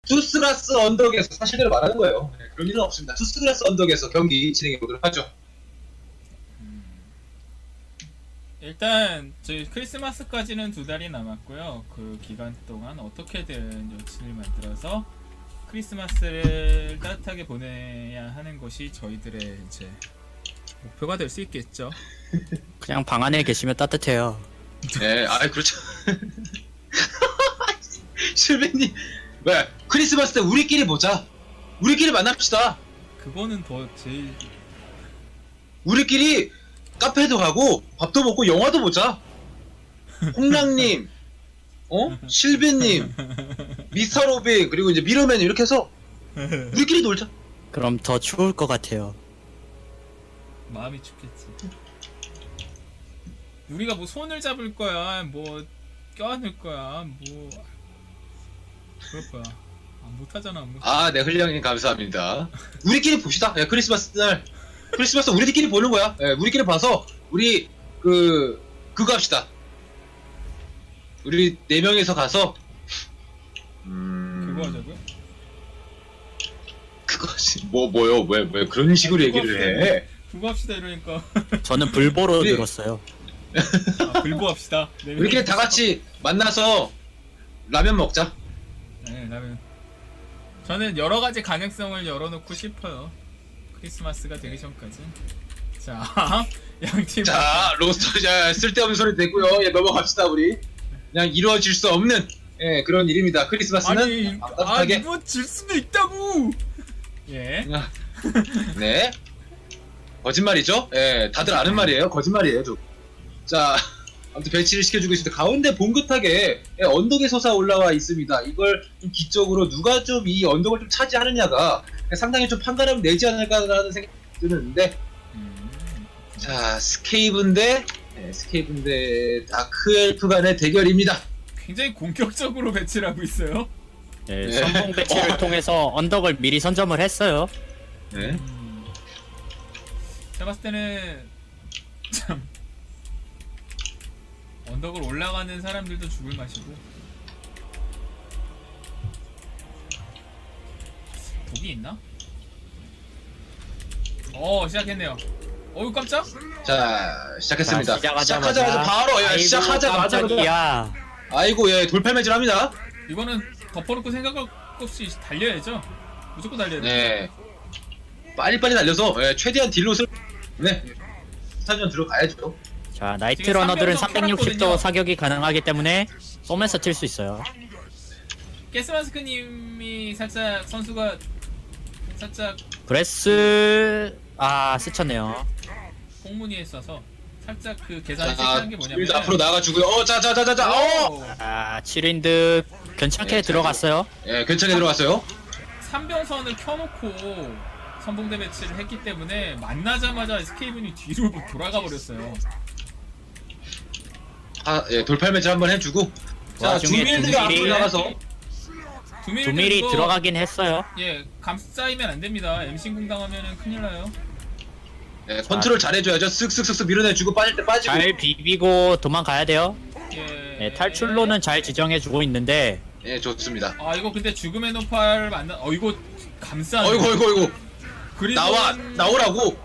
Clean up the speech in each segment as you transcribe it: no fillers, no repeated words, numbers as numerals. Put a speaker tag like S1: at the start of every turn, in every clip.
S1: 투스라스 언덕에서 사실대로 말하는 거예요. 네, 그런 일은 없습니다. 투스라스 언덕에서 경기 진행해 보도록 하죠.
S2: 일단 저희 크리스마스까지는 2달이 남았고요. 그 기간 동안 어떻게든 여친을 만들어서 크리스마스를 따뜻하게 보내야 하는 것이 저희들의 이제 목표가 될 수 있겠죠.
S3: 그냥 방 안에 계시면 따뜻해요.
S1: 네, 그렇죠. 실베님, 왜 크리스마스 때 우리끼리 보자. 우리끼리 만납시다.
S2: 그거는 더 제일
S1: 우리끼리 카페도 가고 밥도 먹고 영화도 보자. 홍랑님, 실베님, 미스터 로빈 그리고 이제 미러맨 이렇게 해서 우리끼리 놀자.
S3: 그럼 더 추울 것 같아요.
S2: 마음이 춥겠지. 우리가 뭐 손을 잡을 거야, 뭐 껴안을 거야, 뭐 그럴 거야. 못하잖아. 뭐.
S1: 네, 흘령님 감사합니다. 우리끼리 봅시다. 야, 크리스마스 날. 크리스마스 우리끼리 보는 거야. 예, 우리끼리 봐서 우리 그거 합시다. 우리 4명이서 가서
S2: 그거 하자고요?
S1: 그거지. 뭐요? 왜 그런 식으로 얘기를 해?
S2: 그거 합시다 이러니까.
S3: 저는 불보로
S1: 우리-
S3: 들었어요.
S2: 불보 합시다. 네,
S1: 우리끼리 다 같이 만나서 라면 먹자.
S2: 네, 라면. 저는 여러 가지 가능성을 열어놓고 싶어요. 크리스마스가 되기 전까지. 자, 양팀.
S1: 자, 로스터 쓸데없는 소리 됐고요. 예, 넘어갑시다 우리. 그냥 이루어질 수 없는 그런 일입니다. 크리스마스는 따뜻하게.
S2: 이루어질 수도 있다고. 예.
S1: 네. 거짓말이죠? 예, 다들 아는 말이에요. 거짓말이에요, 저. 자, 아무튼 배치를 시켜주고 있습니다. 가운데 봉긋하게 언덕에 솟아 올라와 있습니다. 이걸 좀 기적으로 누가 좀 이 언덕을 좀 차지하느냐가 상당히 좀 판가름 내지 않을까라는 생각이 드는데, 자, 스케이븐 대 다크엘프 간의 대결입니다.
S2: 굉장히 공격적으로 배치를 하고 있어요.
S3: 네,
S1: 네.
S3: 선봉 배치를 통해서 언덕을 미리 선점을 했어요.
S1: 네.
S2: 제가 봤을 때는 참 언덕을 올라가는 사람들도 죽을 맛이고 독이 있나? 시작했네요. 어우 깜짝?
S1: 자, 시작했습니다.
S3: 자,
S1: 시작하자마자 바로 시작하자마자
S3: 깜짝이야.
S1: 아이고, 돌팔매질합니다.
S2: 이거는 덮어놓고 생각할 것 없이 달려야죠. 무조건 달려야 돼.
S1: 네. 빨리빨리 달려서 최대한 딜롯을 스타전 들어가야죠.
S3: 자, 나이트
S2: 지금
S3: 러너들은
S2: 360도
S3: 360도 사격이 가능하기 때문에 쏘면서 칠 수 있어요.
S2: 가스마스크님이 살짝 선수가 살짝
S3: 브레스 스쳤네요.
S2: 꽁무니에 있어서 살짝 그 계산이 실패한 게 뭐냐면
S1: 일단 앞으로 나가주고요. 자자자자자.
S3: 아, 7인드 괜찮게
S1: 네,
S3: 들어갔어요.
S1: 괜찮게 들어갔어요.
S2: 3병선을 켜놓고 선봉대 배치를 했기 때문에 만나자마자 스케이븐이 뒤로 돌아가 버렸어요.
S1: 돌팔매질 한번 해주고. 자,
S3: 와중에
S1: 주밀드가
S3: 두밀이-
S1: 앞으로 나가서.
S3: 두밀이 들어가긴 했어요.
S2: 감싸이면 안 됩니다. MC0 당하면은 큰일 나요.
S1: 컨트롤 잘해줘야죠. 쓱쓱쓱쓱 밀어내주고 빠질 때 빠지고.
S3: 잘 비비고 도망가야 돼요.
S2: 예.
S3: 네, 탈출로는 잘 지정해주고 있는데
S1: 좋습니다.
S2: 이거 근데 죽음의 노파를 만나. 이거 감싸.
S1: 어이구.
S2: 그리고
S1: 나오라고.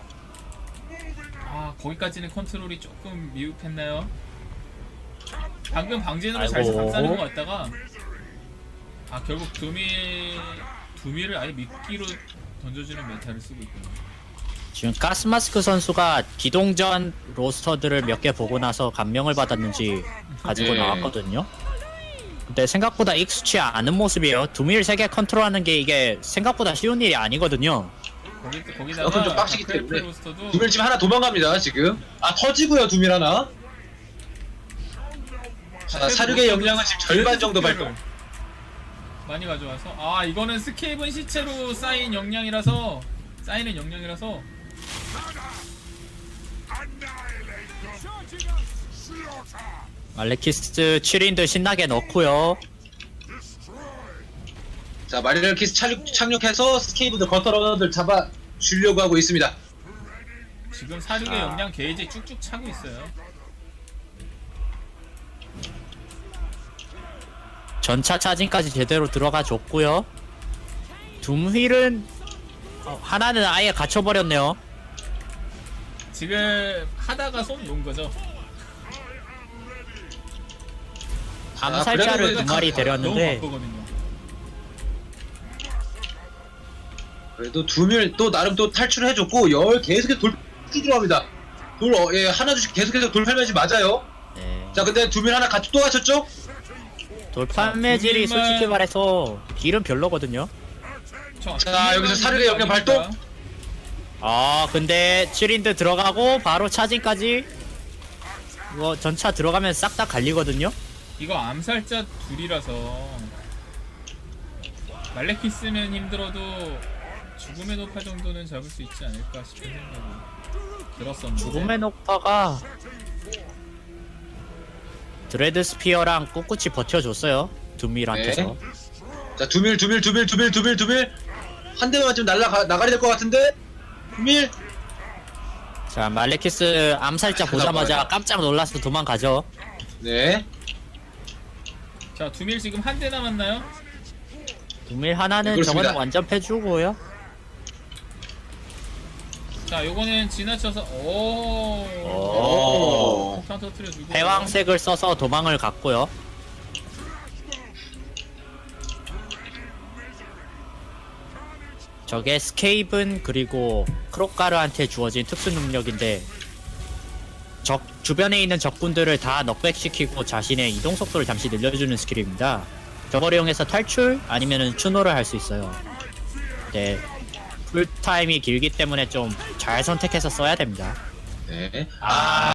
S2: 거기까지는 컨트롤이 조금 미흡했나요? 방금 방진으로 잘
S3: 아이고.
S2: 감싸는 것 같다가 결국 두미를 아예 미끼로 던져주는 메타를 쓰고 있군요.
S3: 지금 가스마스크 선수가 기동전 로스터들을 몇 개 보고 나서 감명을 받았는지 가지고 나왔거든요. 근데 생각보다 익숙치 않은 모습이에요. 두밀 3개 컨트롤하는 게 이게 생각보다 쉬운 일이 아니거든요.
S2: 거기다가
S1: 그건 좀 빡시기
S2: 다크엘프
S1: 때문에.
S2: 로스터도
S1: 두밀 지금 하나 도망갑니다. 지금. 터지고요. 두밀 하나. 자, 사륙의 역량은 지금 절반 정도 발동.
S2: 많이 가져와서 이거는 스케이븐 시체로 쌓인 역량이라서
S3: 알레키스 7인들 신나게 넣고요.
S1: 자, 마리널 키스 착륙해서 스케이브드 거터러너들 잡아 주려고 하고 있습니다.
S2: 지금 사륙의 역량 게이지 쭉쭉 차고 있어요.
S3: 전차 차진까지 제대로 들어가 줬고요. 둠휠은 하나는 아예 갇혀버렸네요.
S2: 지금 하다가 손 놓은 거죠.
S3: 암살자를
S1: 그래도
S3: 두 마리
S2: 너무
S3: 데렸는데
S2: 바쁘거든요.
S1: 그래도 두밀 또 나름 또 탈출을 해줬고 열 계속해서 돌 들어갑니다. 예, 하나둘씩 계속해서 돌팔 매지 맞아요.
S3: 네.
S1: 자 근데 두밀 하나 같이 또 갇혔죠?
S3: 돌판 매질이
S2: 둠휠만-
S3: 솔직히 말해서 딜은 별로거든요.
S1: 자, 여기서 사르르의 영역 발동?
S3: 근데 7인드 들어가고 바로 차징까지 이거 전차 들어가면 싹 다 갈리거든요.
S2: 이거 암살자 둘이라서 말레키스면 힘들어도 죽음의 노파 정도는 잡을 수 있지 않을까 싶은 생각이 들었었는데.
S3: 죽음의 녹파가 드레드 스피어랑 꿋꿋이 버텨줬어요. 둠밀한테서.
S1: 자 두밀 한 대만 맞으면 나가리 될 것 같은데 두밀.
S3: 자 말레키스 암살자 보자마자
S1: 나가요.
S3: 깜짝 놀라서 도망가죠.
S1: 네.
S2: 자, 두밀 지금 한 대 남았나요?
S3: 둠밀 하나는
S1: 그렇습니다.
S3: 저거는 완전 패주고요.
S2: 자, 요거는 지나쳐서
S1: 오.
S2: 폭탄 터뜨려주고
S3: 패왕색을 써서 도망을 갔고요. 저게 스케이븐 그리고 크로카르한테 주어진 특수 능력인데 주변에 있는 적군들을 다 넉백시키고 자신의 이동 속도를 잠시 늘려주는 스킬입니다. 저걸 이용해서 탈출 아니면은 추노를 할 수 있어요. 네, 풀타임이 길기 때문에 좀 잘 선택해서 써야 됩니다.
S1: 네.